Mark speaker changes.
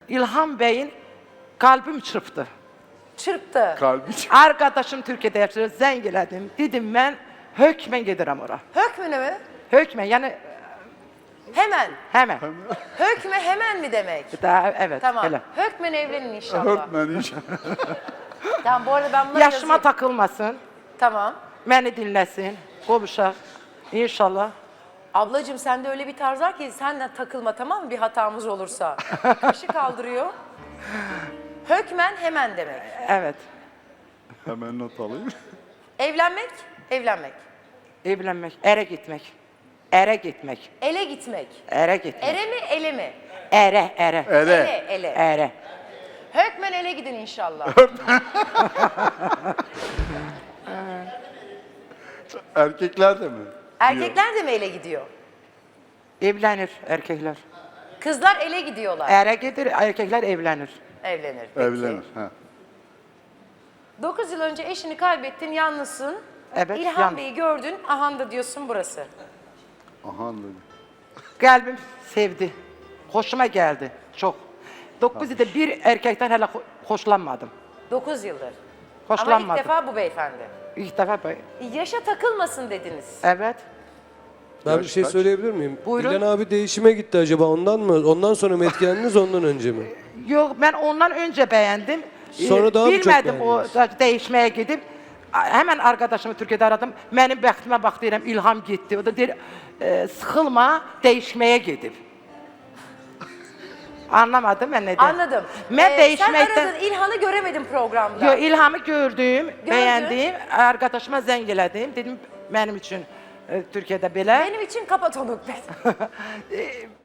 Speaker 1: İlham Bey'in kalbim çırptı.
Speaker 2: Çırptı.
Speaker 3: Kalbi
Speaker 1: Arkadaşım Türkiye'de yaşıyor, zengeledim. Dedim ben hökmen giderim oraya.
Speaker 2: Hökmüne mi?
Speaker 1: Hökmen yani
Speaker 2: Hemen.
Speaker 1: hemen.
Speaker 2: Hökme hemen mi demek?
Speaker 1: Daha, evet
Speaker 2: Tamam.
Speaker 1: öyle.
Speaker 2: Hökmen evlenin inşallah.
Speaker 3: Öğretmen iş.
Speaker 2: Tamam bu arada ben bunları
Speaker 1: Yaşıma
Speaker 2: yazayım.
Speaker 1: takılmasın,
Speaker 2: Tamam.
Speaker 1: beni dinlesin, konuşak. İnşallah.
Speaker 2: Ablacığım sende öyle bir tarz var ki sen de takılma tamam mı bir hatamız olursa. Kaşı kaldırıyor. Hökmen hemen demek.
Speaker 1: Evet.
Speaker 3: Hemen not alayım.
Speaker 2: Evlenmek, evlenmek.
Speaker 1: Evlenmek, ere gitmek. Ere gitmek.
Speaker 2: Ele gitmek.
Speaker 1: Ere gitmek.
Speaker 2: Ere mi, ele mi?
Speaker 1: Ere, ere.
Speaker 3: Ere.
Speaker 2: Ele.
Speaker 1: Ere.
Speaker 2: Hökmen ele gidin inşallah.
Speaker 3: Erkekler de mi?
Speaker 2: Erkekler de mi ele gidiyor?
Speaker 1: Evlenir erkekler.
Speaker 2: Kızlar ele gidiyorlar.
Speaker 1: Ere gider, erkekler evlenir.
Speaker 2: Evlenir. Peki.
Speaker 3: Evlenir. Ha.
Speaker 2: 9 yıl önce eşini kaybettin, yalnızsın.
Speaker 1: Evet,
Speaker 2: İlhan Bey'i gördün, ahanda diyorsun burası.
Speaker 3: Aha anladım.
Speaker 1: Kalbim sevdi. Hoşuma geldi çok. 9 yılda bir erkekten hele hoşlanmadım.
Speaker 2: 9 yıldır. Ama
Speaker 1: Hoşlanmadım.
Speaker 2: ilk defa bu beyefendi.
Speaker 1: İlk defa böyle.
Speaker 2: Yaşa takılmasın dediniz.
Speaker 1: Evet.
Speaker 4: Ben bir
Speaker 3: Yaş
Speaker 4: şey
Speaker 3: kaç?
Speaker 4: söyleyebilir miyim?
Speaker 1: Buyurun.
Speaker 4: İlhan abi değişime gitti acaba ondan mı? Ondan sonra mı etkilendiniz ondan önce mi?
Speaker 1: Yok ben ondan önce beğendim.
Speaker 4: Sonra daha mı çok
Speaker 1: bilmedim o
Speaker 4: beğendiniz?
Speaker 1: değişmeye gidip hemen arkadaşımı Türkiye'de aradım. Benim bəxtimə bax deyirəm İlham gitti. O da deyir sıxılma değişmeye gidip. Anlamadım ben ne dedim.
Speaker 2: Anladım.
Speaker 1: Ben değişmekten...
Speaker 2: Sen aradın, İlhan'ı göremedim programda.
Speaker 1: Yo, İlhamı gördüm, beğendim. Arkadaşıma zəng elədim. Dedim benim için Türkiye'de belə.
Speaker 2: Benim için kapat onu.